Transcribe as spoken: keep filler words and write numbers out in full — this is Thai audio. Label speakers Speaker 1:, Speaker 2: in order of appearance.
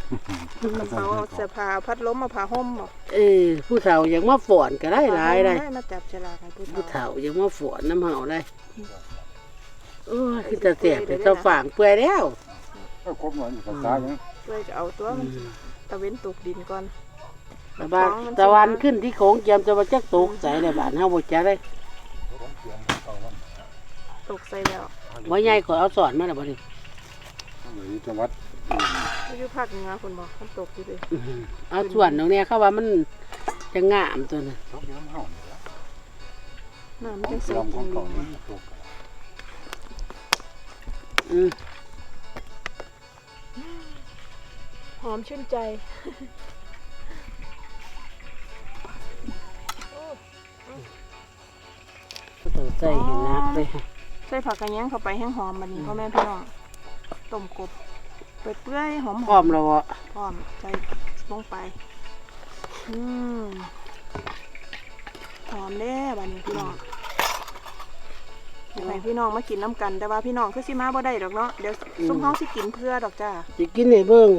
Speaker 1: กระเป๋าเอาเสื้อผ้าพัดลมมาผ้าห่มบ่
Speaker 2: เออผู้เฒ่ายังมาฝอนก็ได้หลายได้
Speaker 1: มาจับฉลากให้ผู้
Speaker 2: ผู้
Speaker 1: เฒ่า
Speaker 2: เฒ่ายังมาฝอนน้ำเห่าได้โอ้ยคือตาเสียบแต่เจ้าฝางเปื่อยแล้ว
Speaker 3: ก็ครบหน่อยภาษาอย่าง
Speaker 1: ด้วยจะเอาตัวมันสิตะเว้นตกดินก่อน
Speaker 2: ตะวันตะวันขึ้นที่โขงเจียมจะมาจักตกใส่ในบ้านเฮาบ่จักได้
Speaker 1: ตกใส่แล้ว
Speaker 2: ว่าใหญ่ขอเอาสอนมาแล้วบ่ดิ
Speaker 3: หรือจังหวัด
Speaker 1: อยู่ภาคเหนือคนบอกมันตกอยู่เลย
Speaker 2: อื้อหือเอาส่วนตรงเนี้ยเขาว่ามันจะงามตัวน่ะ
Speaker 3: ตกน้ำเห่าเนี่ยละ
Speaker 1: น้ำมัน
Speaker 3: ข
Speaker 1: จะ
Speaker 3: อง
Speaker 1: ใส่
Speaker 3: ลำข
Speaker 1: กิ
Speaker 3: อน ง
Speaker 1: ดี
Speaker 3: เขาเนี่ยตก
Speaker 2: อืม
Speaker 1: หอมชื่นใจ
Speaker 2: ก็ต้องใส่ให้นักเลย
Speaker 1: ใส่ผักกระแยงเข้าไปแห้งหอมมันนี้พ่อแม่พี่น้องต้มกบเปื่อยๆหอม
Speaker 2: พร้อมแล้วบ่
Speaker 1: พร้อมใส่ลงไปอืมหอมเด้บัดนี้พี่น้องอยากให้พี่น้องมากินน้ำกันแต่ว่าพี่น้องคือสิมาบ่ได้ดอกเนาะเดี๋ยวซุ่มเฮาสิกินเพื่อดอกจ้า
Speaker 2: สิกินให้เบิ่ง